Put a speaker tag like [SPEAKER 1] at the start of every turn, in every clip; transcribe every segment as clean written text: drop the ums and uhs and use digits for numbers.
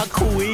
[SPEAKER 1] คุย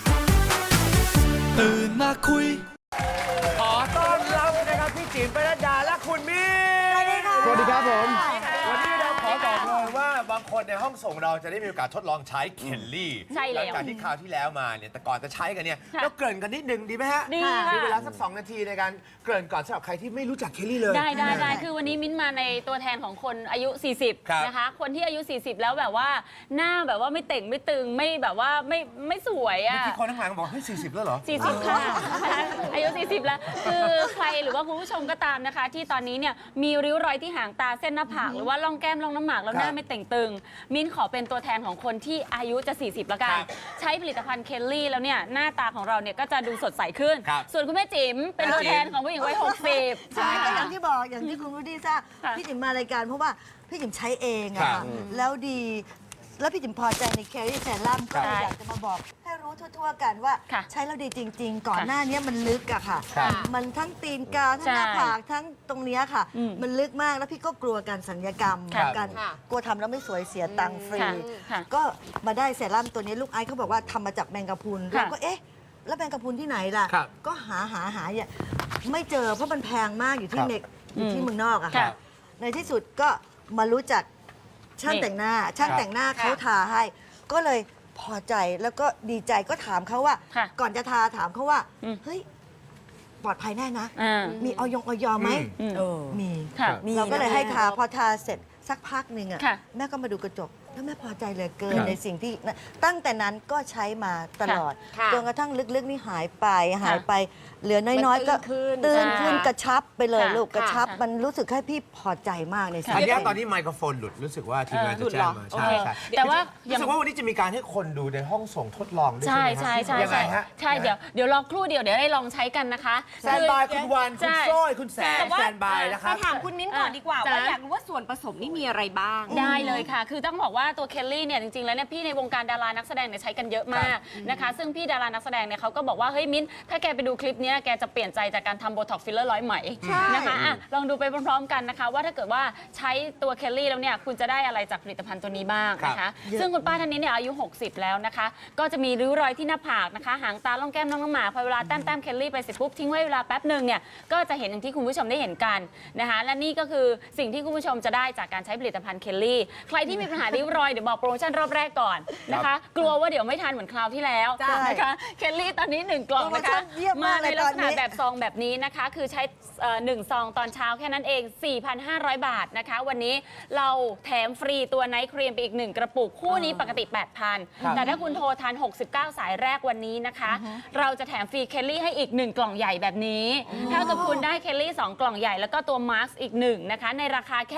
[SPEAKER 1] ตื่นมาคุย
[SPEAKER 2] ขอต้อนรับนะครับพี่จิ๋มปนัดดาและคุณมิ้น
[SPEAKER 3] สวัสดีค่ะ
[SPEAKER 2] สวัสดีครับผมวันนี้เราขอบอกเลยว่าบางคนในห้องส่งเราจะได้มีโอกาสทดลองใช้เคลลี่
[SPEAKER 4] ใช่แล้ว
[SPEAKER 2] หลังจากที่คราวที่แล้วมาเนี่ยแต่ก่อนจะใช้กันเนี่ย
[SPEAKER 4] ค่ะ
[SPEAKER 2] เราเกริ่นกันนิดนึงดีไหมฮะ
[SPEAKER 4] ดีค่ะ
[SPEAKER 2] มีเวลาสัก2 นาทีในการเกริ่นก่อนสำหรับใครที่ไม่รู้จักเคลลี่เลย
[SPEAKER 4] ได้คือวันนี้มิ้นมาในตัวแทนของคนอายุ
[SPEAKER 2] ครับ
[SPEAKER 4] 40 นะคะ คนที่อายุ 40 แล้วแบบว่าหน้าแบบว่าไม่เต่งไม่ตึงไม่แบบว่าไม่สวยอ่ะ
[SPEAKER 2] ที่คนทั้งหลังบอกเฮ้ย40 แล้วเหรอ
[SPEAKER 4] 40 ค่ะ อายุ 40 แล้ว คือใครหรือว่าคุณผู้ชมก็ตามนะคะ ที่ตอนนี้เนี่ยมีริ้วรอยที่หางตาเส้นหน้าผากหรือว่าร่องแก้มร่องน้ำหมากแล้วหน้าไม่เต่งตึง มิ้นขอเป็นตัวแทนของคนที่อายุจะ 40 แล้วกัน
[SPEAKER 2] ครับ
[SPEAKER 4] ใช้ผลิตภัณฑ์เคลลี่แล้วเนี่ยหน้าตาของเราเนี่ยก็จะดูสดใสขึ้น
[SPEAKER 2] ครับ
[SPEAKER 4] ส่วนคุณแม่จิ๋มเป็นตัวแทนของผู้หญิงวัย 60
[SPEAKER 3] ใช่ก็อย่างที่บอกอย่างที่คุณรู้ดีทราบ
[SPEAKER 4] ค่ะ
[SPEAKER 3] พี่จิ๋มมารายการเพราะว่าพี่จิ๋มใช้เองอะ
[SPEAKER 2] ครั
[SPEAKER 3] ค่ะ
[SPEAKER 2] บ
[SPEAKER 3] แล้วดีแล้วพี่จิ๋มพอใจในแคลรี่เซรั่มก็เลยอยากจะมาบอกให้รู้ทั่วๆกันว่า
[SPEAKER 4] ค่ะ
[SPEAKER 3] ใช้แล้วดีจริง ๆ ก่อนหน้านี้มันลึกอะค่ะ
[SPEAKER 2] ครับ
[SPEAKER 3] มันทั้งตีนกาทั้งหน้าผากทั้งตรงเนี้ยค่ะ
[SPEAKER 4] อืม
[SPEAKER 3] มันลึกมากแล้วพี่ก็กลัวการสัญญกรรม
[SPEAKER 4] ครับ
[SPEAKER 3] การกลัวทำแล้วไม่สวยเสียตังค์ฟรี
[SPEAKER 4] ค่ะ
[SPEAKER 3] ก็มาได้เซรั่มตัวนี้ลูกไอซ์เขาบอกว่าทำมาจากแมงกะพรุน
[SPEAKER 4] ค่ะ
[SPEAKER 3] เราก็เอ๊ะแล้วแมงกะพรุนที่ไหนล่ะ
[SPEAKER 2] ครับ
[SPEAKER 3] ก็หาอย่าไม่เจอเพราะมันแพงมากอยู่ที่
[SPEAKER 2] ครับ
[SPEAKER 3] เน็กอยู่ที่เมืองนอกอะ
[SPEAKER 4] ครั
[SPEAKER 3] ค่ะ
[SPEAKER 4] บ
[SPEAKER 3] ในที่สุดก็มารู้จักช่างแต่งหน้า ช่างแต่งหน้าเขาทาให้ ก็เลยพอใจแล้วก็ดีใจก็ถามเขาว่า
[SPEAKER 4] ค่ะ
[SPEAKER 3] ก่อนจะทาถามเขาว่า
[SPEAKER 4] อืม
[SPEAKER 3] เฮ้ยปลอดภัยแน่นะ
[SPEAKER 4] อ่า
[SPEAKER 3] มีออยไหม
[SPEAKER 4] อืม
[SPEAKER 3] มี
[SPEAKER 4] ค่ะ
[SPEAKER 3] เราก็เลยให้ทาพอทาเสร็จสักพักหนึ่งอะ
[SPEAKER 4] ค่ะ
[SPEAKER 3] แม่ก็มาดูกระจกแล้วแม่พอใจเหลยเกิน
[SPEAKER 2] ครับ
[SPEAKER 3] ในสิ่งที่ตั้งแต่นั้นก็ใช้มาตลอด
[SPEAKER 5] ค่ะ
[SPEAKER 3] จนกระทั่งลึกๆนี่หายไปเหลือน้อยๆ ก็
[SPEAKER 5] มันตื้
[SPEAKER 3] ตื้น
[SPEAKER 5] นขึ้
[SPEAKER 3] ขึ้น
[SPEAKER 5] น
[SPEAKER 3] กระชับไปเลย
[SPEAKER 4] ค่ะ
[SPEAKER 3] ลูกกระชับ
[SPEAKER 4] ค่ะ
[SPEAKER 3] มันรู้สึกให้พี่พอใจมากในสิ่ง
[SPEAKER 2] อัน
[SPEAKER 3] นี้
[SPEAKER 2] เนี้ยตอนนี้ไมโครโฟนหลุดรู้สึกว่าทีมงานจะแจ้งมา
[SPEAKER 4] โอ
[SPEAKER 2] ใช่
[SPEAKER 4] เค
[SPEAKER 2] ใช่
[SPEAKER 4] แต่ว่า
[SPEAKER 2] รู้สึกว่าวันนี้จะมีการให้คนดูในห้องส่งทดลองด้วย
[SPEAKER 4] ใช่
[SPEAKER 2] ใช่ไหม
[SPEAKER 4] ใช่
[SPEAKER 2] ฮะยังไงฮะ
[SPEAKER 4] ใช่เดี๋ยวรอครู่เดี๋ยวได้ลองใช้กันนะคะ
[SPEAKER 2] แซนบายคุณวันคุณ
[SPEAKER 4] ใช่
[SPEAKER 2] โซ้ยคุณแสน
[SPEAKER 4] แต่ว่า
[SPEAKER 2] แซนบายนะค
[SPEAKER 5] มา
[SPEAKER 2] รับ
[SPEAKER 5] ถามคุณมิ้นก่อนดีกว่า
[SPEAKER 4] จ้ะ
[SPEAKER 5] ว่าอยากรู้ว่าส่วนผสมนี่มีอะไรบ้าง
[SPEAKER 4] ได้เลยค่ะ คือต้องบอกว่าตัวเคลลี่เนี่ยจริงๆ แล้วเนี่ยพี่ในวงการดารานักแสดงเนี่ยใช้กันเยอะมากนะคะ ซึ่งพี่ดารานักแสดงเนี่ยเขาก็บอกว่าเฮ้ยมิ้นถ้าแกไปดูคลิปเนี้ยแกจะเปลี่ยนใจจากการทำโบท็อกฟิลเลอร์ร้อยไหมนะคะอ่ะลองดูไปพร้อมๆกันนะคะ ว่าถ้าเกิดว่าใช้ตัวเคลลี่แล้วเนี่ยคุณจะได้อะไรจากผลิตภัณฑ์ตัวนี้บ้างนะคะ ซึ่งคุณป้าท่านนี้เนี่ยอายุ 60 แล้วนะคะ ก็จะมีริ้วรอยที่หน้าผากนะคะหางตาล่องแก้มน้องหมาพอเวลาแต้มเคลลี่ไปเสร็จปุ๊บทิ้งไว้เวลาแป๊บหนึ่งเนี่ยก็จะเห็นอย่างที่คุณผู้ชมได้เห็นกันนะคะและนี่ก็คือสิ่งที่คุณผู้ชมจะได้จากการใช้ผลิตภัณฑ์เคลลี่ใครที่มีปัญหาริ้วรอยเดี๋ยวบอกโปรโมชั่นรอบแรกก่อนนะคะ กลัวว่าเดี๋ยวไม่ทันเหมือนคราวที่แล้ว
[SPEAKER 3] ใช่
[SPEAKER 4] นะคะเคลลี่ตอนนี้ 1 กล่องนะคะ
[SPEAKER 3] โปรโมชั่นเยี่ยมมาก
[SPEAKER 4] ใน
[SPEAKER 3] เลย
[SPEAKER 4] ลั
[SPEAKER 3] ต
[SPEAKER 4] ก
[SPEAKER 3] อน
[SPEAKER 4] ษ
[SPEAKER 3] นี้
[SPEAKER 4] ณะแบบซองแบบนี้นะคะ คือใช้1 ซองตอนเช้าแค่นั้นเอง 4,500 บาทนะคะ วันนี้เราแถมฟรีตัวไนท์ครีมไปอีก 1 กระปุก คู่นี้ปกติ 8,000 แต่ถ้าคุณโทรทัน 69 สายแรกวันนี้นะคะ เราจะแถมฟรีเคลลี่ให้อีก 1 กล่องใหญ่แบบนี้เท่ากับคุณได้เคลลี่ 2 กล่องใหญ่แล้วก็ตัวมาสก์อีก 1 นะคะ ในราคาแค่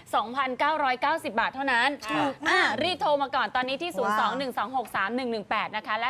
[SPEAKER 4] 2,990 บาทเท่านั้นรีบโทรมาก่อนตอนนี้ที่ 021263118 นะคะ และ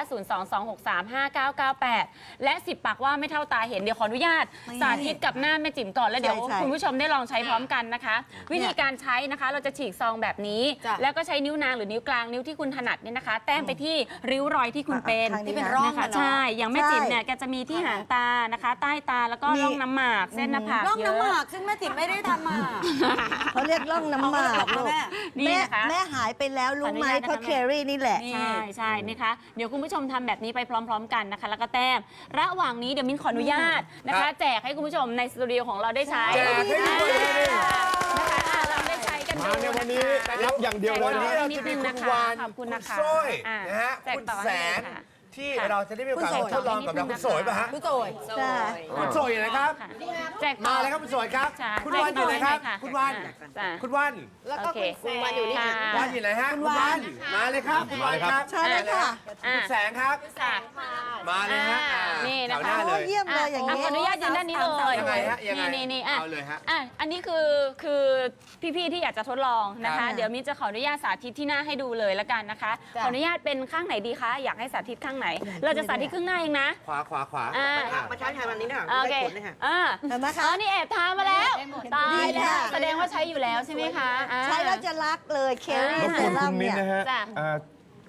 [SPEAKER 4] 022635998 และ 10 ปากว่าไม่เท่าตาเห็น เดี๋ยวขออนุญาตสาธิตกับหน้าแม่จิ๋มก่อนแล้วเดี๋ยว
[SPEAKER 3] ใช่
[SPEAKER 4] คุณผู้ชมได้ลองใช้พร้อมกันนะคะ วิธีการใช้นะคะเราจะฉีกซองแบบนี้
[SPEAKER 5] จ้ะ
[SPEAKER 4] แล้วก็ใช้นิ้วนางหรือนิ้วกลางนิ้วที่คุณถนัดเนี่ยนะคะ แต้มไปที่ริ้วรอยที่คุณเป็น
[SPEAKER 3] ทางนี้
[SPEAKER 5] ที่เป็น
[SPEAKER 3] นะ
[SPEAKER 5] ร่อง
[SPEAKER 4] นะคะ
[SPEAKER 5] อะเนาะ
[SPEAKER 4] ใช่ อย่างแม่จิ๋มเนี่ยแกจะมีที่หางตานะคะ ใต้ตาแล้วก็ร่องน้ำหมากเส้นหน้าผาก
[SPEAKER 5] ร่อง
[SPEAKER 4] เย
[SPEAKER 5] น้ำห
[SPEAKER 4] อะ
[SPEAKER 5] มากซึ่งแม่ติ๋มไม่ได้ทำมา
[SPEAKER 3] เขาเรียกร่องน้ำหมากลูก
[SPEAKER 4] นี่
[SPEAKER 3] แม่
[SPEAKER 4] นะคะ
[SPEAKER 3] แม่หายไปแล้วรู้ไหม
[SPEAKER 4] ขออนุญาตนะคะ
[SPEAKER 3] เพราะเคลรี่นี่แหละ
[SPEAKER 4] ใช่ใช่นะคะ เดี๋ยวคุณผู้ชมทำแบบนี้ไปพร้อม ๆ กันนะคะ แล้วก็แต้ม ระหว่างนี้เดี๋ยวมิ้นขออนุญาตนะคะ แจกให้คุณผู้ชมในสตูดิโอของเราได้ใช้
[SPEAKER 2] แจกให้ด้วย
[SPEAKER 4] นะคะเราได้ใช้กันดู
[SPEAKER 2] มาในวันนี้รับอย่างเดียวเลยวันนี้เราจะมีคุณวาน
[SPEAKER 4] ขอบคุณนะคะ
[SPEAKER 2] โซ้ย
[SPEAKER 4] อ่า
[SPEAKER 2] นะฮะ
[SPEAKER 4] แจก
[SPEAKER 2] คุณ
[SPEAKER 4] ต่อ
[SPEAKER 2] แส
[SPEAKER 4] ให้
[SPEAKER 2] น
[SPEAKER 4] เลยค่ะ
[SPEAKER 2] ที่
[SPEAKER 4] ค่ะ
[SPEAKER 2] เราจะได้มีโอกาสมาทดลองกับเราคุณโสยป่ะฮะ
[SPEAKER 5] ผู้โจย
[SPEAKER 3] ใช่
[SPEAKER 2] คุณโสยอยู่ไหนครับ
[SPEAKER 4] ค่ะแจกต่อ
[SPEAKER 2] มาเลยครับคุณโสยครับ
[SPEAKER 4] ใช่
[SPEAKER 2] คุณวันอยู่ไหนครับ
[SPEAKER 4] ค่ะ
[SPEAKER 2] คุณวัน
[SPEAKER 4] จ้ะ
[SPEAKER 2] คุณวัน
[SPEAKER 5] แล้วก็
[SPEAKER 4] โอเค
[SPEAKER 5] คุณวันอยู่นี่
[SPEAKER 4] ค่ะ
[SPEAKER 2] วันอยู่ไหนฮะคุณวันมาเลยครับคุณวันครับ
[SPEAKER 3] ใช่เลยค่ะ
[SPEAKER 2] คุณแสงครับ
[SPEAKER 4] ค่ะ
[SPEAKER 2] มาเลยฮะ
[SPEAKER 4] นี่นะคะ
[SPEAKER 2] แถวหน้าเลย
[SPEAKER 3] โอ้เยี่ยมเลยอย่าง
[SPEAKER 4] ข
[SPEAKER 3] นี้
[SPEAKER 4] ออนุญาตยืนด้านนี้เลย
[SPEAKER 2] ยังไงฮะยังไง
[SPEAKER 4] นี่
[SPEAKER 2] เอาเลยฮะ
[SPEAKER 4] อันนี้คือพี่ๆที่อยากจะทดลองนะ
[SPEAKER 2] ครั
[SPEAKER 4] คะ
[SPEAKER 2] บ
[SPEAKER 4] เดี๋ยวมิ้นจะขออนุญาตสาธิตที่หน้าให้ดูเลยละกันนะคะ
[SPEAKER 5] จ้ะ
[SPEAKER 4] ขออนุญาตเป็นข้างไหนดีคะอยากให้สาธิตข้างไหน เราจะสาธิตข้างหน้าเองนะ
[SPEAKER 2] ขวา
[SPEAKER 5] มาใช้ไทยวันนี้นะ
[SPEAKER 4] โอเค
[SPEAKER 3] เห็นไหมคะ
[SPEAKER 4] อ๋อนี่แอบทามาแล้วตาย
[SPEAKER 3] ดี
[SPEAKER 4] แล้
[SPEAKER 3] ค่ะ
[SPEAKER 4] วแสดงว่าใช้อยู่แล้วใช่ไหมคะอ่า
[SPEAKER 3] ใช้แล้วจะรักเลยเคลลี่
[SPEAKER 4] รบ
[SPEAKER 3] เซ
[SPEAKER 4] กวน
[SPEAKER 3] รั่มเนี่ย
[SPEAKER 4] จ้ะ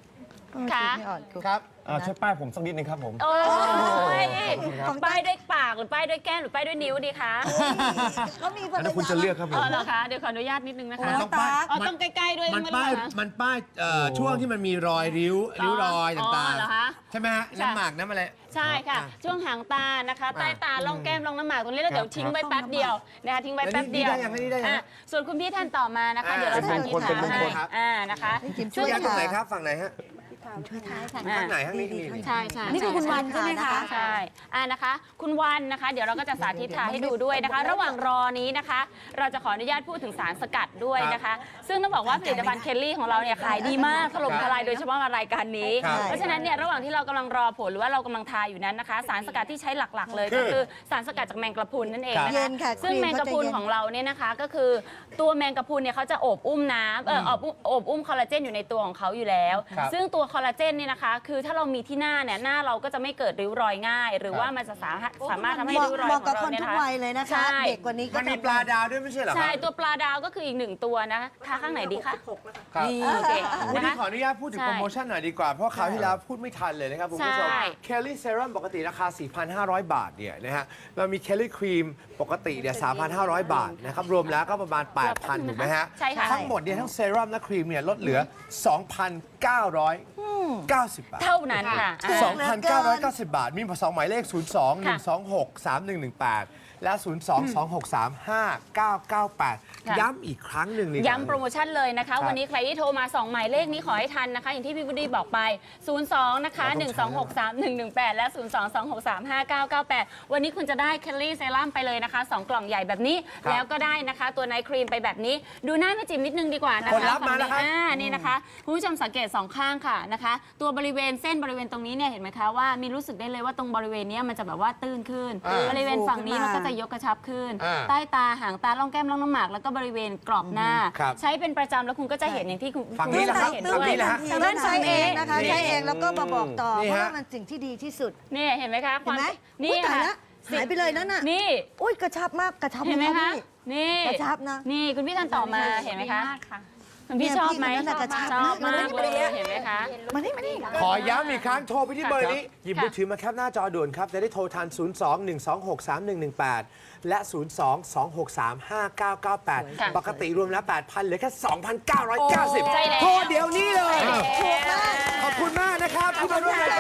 [SPEAKER 4] ค่ะ
[SPEAKER 3] ไม่อ่อนครู
[SPEAKER 2] ครับ
[SPEAKER 1] ช่วยป้ายผมสักนิดนึงครับผม
[SPEAKER 4] โอ้ย
[SPEAKER 3] ของ
[SPEAKER 4] ป้ายด้วยปากหรือป้ายด้วยแก้มหรือป้ายด้วยนิ้วดีคะ
[SPEAKER 3] ก็มีภรร
[SPEAKER 1] แล้วคุณ
[SPEAKER 3] ยา
[SPEAKER 1] จะเลือกครับผ
[SPEAKER 4] อ๋
[SPEAKER 1] ม
[SPEAKER 4] อเหรอคะเดี๋ยวขออนุญาตนิดนึงนะคะ
[SPEAKER 3] น้องตั๊ก
[SPEAKER 4] อ๋อต้องใกล้ๆด้วย
[SPEAKER 2] มัน
[SPEAKER 4] ไม่
[SPEAKER 2] ป้าย
[SPEAKER 4] เหรอคะ
[SPEAKER 2] มันป้ายช่วงที่มันมีรอยริ้วรอย
[SPEAKER 4] อ๋อ
[SPEAKER 2] ต่าง
[SPEAKER 4] เหรอคะ
[SPEAKER 2] ๆ ใช่ไหมฮะน้ำหมากน้ำอะไร
[SPEAKER 4] ใช่ค่ะ ช่วงหางตานะคะ ใต้ตาล่องแก้มล่องน้ำหมากตรงนี้แล้วเดี๋ยวทิ้งไว้แป๊บเดียวนะคะทิ้งไว้แป๊บเดียว
[SPEAKER 2] แล้วนี่ได้ยัง
[SPEAKER 4] อ่ะส่วนคุณพี่ท่านต่อมานะคะ เดี๋ยวเราสาธิต
[SPEAKER 2] เป็นมงคล
[SPEAKER 4] ให้
[SPEAKER 2] ครับ
[SPEAKER 4] นะคะ
[SPEAKER 3] นี่จิมช่
[SPEAKER 2] ช่ว
[SPEAKER 3] วย ย
[SPEAKER 2] ยัดตรงไหน
[SPEAKER 3] ค่ะ
[SPEAKER 2] ครับฝั่งไหนฮะ
[SPEAKER 4] อ่า
[SPEAKER 2] ข้างไหนข้างนี้นี่
[SPEAKER 4] ใช่ใช่
[SPEAKER 3] นี่คือคุณวันใช่ไหมคะ
[SPEAKER 4] ใช่นะคะ คุณวันนะคะ เดี๋ยวเราก็จะสาธิตทาให้ดูด้วยนะคะ ระหว่างรอนี้นะคะ เราจะขออนุญาตพูดถึงสารสกัดด้วยนะคะ ซึ่งต้องบอกว่าผลิตภัณฑ์เคลลี่ของเราเนี่ยขายดีมากถล่มทลายโดยเฉพาะมารายการนี้
[SPEAKER 2] ครับ
[SPEAKER 4] เพราะฉะนั้นเนี่ยระหว่างที่เรากำลังรอผลหรือว่าเรากำลังทาอยู่นั้นนะคะ สารสกัดที่ใช้หลักๆ เลยก็คือสารสกัดจากแมงกะพรุนนั่นเองนะ
[SPEAKER 3] เย็
[SPEAKER 4] คะ
[SPEAKER 3] นค่ะ
[SPEAKER 4] ซึ่งแมงกะพรุนของเราเนี่ยนะคะก็คือตัวแมงกะพรุนเนี่ยเขาจะโอบอุ้มน้ำโอบอุ้มคอลลาเจนอยู่ในตัวของเขาอยู่แล้ว
[SPEAKER 2] ครับ
[SPEAKER 4] ซึ่งตัวคอลลาเจนเนี่ยนะคะคือถ้าเรามีที่หน้าเนี่ยหน้าเราก็จะไม่เกิดริ้วรอยง่าย หรือว่ามันจะสามารถทำให้
[SPEAKER 3] เหมาะ
[SPEAKER 4] ริ้วรอย
[SPEAKER 3] เหมาะ
[SPEAKER 4] ข
[SPEAKER 3] กั
[SPEAKER 4] อบ ง
[SPEAKER 3] ค
[SPEAKER 4] เรา
[SPEAKER 3] น
[SPEAKER 4] เนี่ย
[SPEAKER 3] ทุก
[SPEAKER 4] นะคะ
[SPEAKER 3] วัยเลยนะคะ
[SPEAKER 4] ใช่
[SPEAKER 3] เด็กกว่านี้ก็
[SPEAKER 2] มันมี
[SPEAKER 3] ทำ
[SPEAKER 2] ปลาดาวด้วยไม่ใช่เหรอค
[SPEAKER 4] ใช่
[SPEAKER 2] รับ
[SPEAKER 4] ตัวปลาดาวก็คืออีกหนึ่งตัวนะทาข้างไหนดีคะ
[SPEAKER 2] ครับ
[SPEAKER 4] นี่โอเค
[SPEAKER 2] วัน
[SPEAKER 4] นะ
[SPEAKER 2] นี้
[SPEAKER 4] คะ
[SPEAKER 2] ขออนุญาตพูดถึง
[SPEAKER 4] ใช่
[SPEAKER 2] โปรโมชั่นหน่อยดีกว่า เพราะคราวที่แล้วพูดไม่ทันเลยนะครับคุณผู้ชม
[SPEAKER 4] ใช่
[SPEAKER 2] เคลลี่เซรั่มปกติราคา 4,500 บาทเนี่ยนะฮะเรามีเคลลี่ครีมปกติเนี่ย 3,500 บาทนะครับรวมแล้วก็ประมาณ 8,000 ถูกไหมฮะ
[SPEAKER 4] ใช่ค่ะ
[SPEAKER 2] ทั้งหมดเนี่ยทั้งเซรั่มและครีมเนี่ยลดเหลือ 2,990 บาท
[SPEAKER 4] เท่านั้นค่ะ
[SPEAKER 2] 2,990 บาท มี2หมายเลข 02 126 3118 และ 02-263-5998 ย้ำอีกครั้งหนึ่งนี่
[SPEAKER 4] ย้ำโปรโมชั่นเลยนะคะ
[SPEAKER 2] ครับ
[SPEAKER 4] วันนี้ใครที่โทรมา 2 หมายเลขนี้ขอให้ทันนะคะ อย่างที่พี่บุดีบอกไป 02 นะคะ 1263118 และ 022635998 วันนี้คุณจะได้เคลลี่เซรั่มไปเลยนะคะ 2 กล่องใหญ่แบบนี้
[SPEAKER 2] ครับ
[SPEAKER 4] แล้วก็ได้นะคะ ตัวไนท์ครีมไปแบบนี้ ดูหน้าแม่จิ๋มนิดนึงดีกว่านะคะ
[SPEAKER 2] ผลลัพธ์มาแล้วครับ
[SPEAKER 4] นี่นะคะคุณผู้ชมสังเกต 2 ข้างค่ะนะคะ ตัวบริเวณเส้นบริเวณตรงนี้เนี่ยเห็นไหมคะว่ามีรู้สึกได้เลยว่าตรงบริเวณเนี้ยมันจะแบบว่าตื้นขึ้น บริเวณฝั่งนี้มันก็จะยกกระชับขึ้น ใต้ตาหางตาล่องแก้มล่องน้ำหมากแล้วก็บริเวณกรอบหน้า
[SPEAKER 2] ครับ
[SPEAKER 4] ใช้เป็นประจำแล้วคุณก็จะเห็นอย่างที่คุณ
[SPEAKER 2] ฝั่งนี้
[SPEAKER 4] คุณ
[SPEAKER 2] แหละครับ
[SPEAKER 4] เห็น
[SPEAKER 3] ตื้
[SPEAKER 4] ด้
[SPEAKER 3] น
[SPEAKER 4] วย
[SPEAKER 2] นี่แหละฮะ
[SPEAKER 3] ทางด้านใช้เองนะคะ
[SPEAKER 2] นี่
[SPEAKER 3] ใช้เองแล้วก็มาบอกต่อ
[SPEAKER 2] นี่
[SPEAKER 3] เพ
[SPEAKER 2] ฮะ
[SPEAKER 3] ราะว่ามันสิ่งที่ดีที่สุด
[SPEAKER 4] นี่เห็นไหมคะ
[SPEAKER 3] เห็นไหม
[SPEAKER 4] นี่
[SPEAKER 3] อุ๊ยตาย
[SPEAKER 4] ค่ะ
[SPEAKER 3] ละหายไปเลยนั่นน่ะ
[SPEAKER 4] นี่
[SPEAKER 3] อุ้ยกระชับมากกระชับ
[SPEAKER 4] เห็นไหม
[SPEAKER 3] าก
[SPEAKER 4] คะ
[SPEAKER 3] พี่
[SPEAKER 4] นี่
[SPEAKER 3] กระชับนะ
[SPEAKER 4] นี่คุณพี่ท่านต่อมาเห็นไหมคะคุณพี่ชอบไหม
[SPEAKER 3] เนี่ยพี่คนนั้นน่ะกระชับ
[SPEAKER 4] ชอบมาก
[SPEAKER 3] มาก
[SPEAKER 4] เลยเห็นไหมคะ
[SPEAKER 3] มานี่มานี่
[SPEAKER 2] ขอย้ำอีกครั้งโทรไปที่เบอร์นี้ หยิบ
[SPEAKER 4] ค่ะ
[SPEAKER 2] มือถือมาแคปหน้าจอด่วนครับ จะได้โทรทัน 02-126-3118 และ 02-263-5998 ปกติรวมแล้ว 8,000เหลือแค่ 2,990
[SPEAKER 4] ใช่แล้ว
[SPEAKER 2] โทรเดี๋ยวนี้เลย
[SPEAKER 4] ถูกมาก
[SPEAKER 2] ขอบคุณมากนะครับที่มาร่วมราย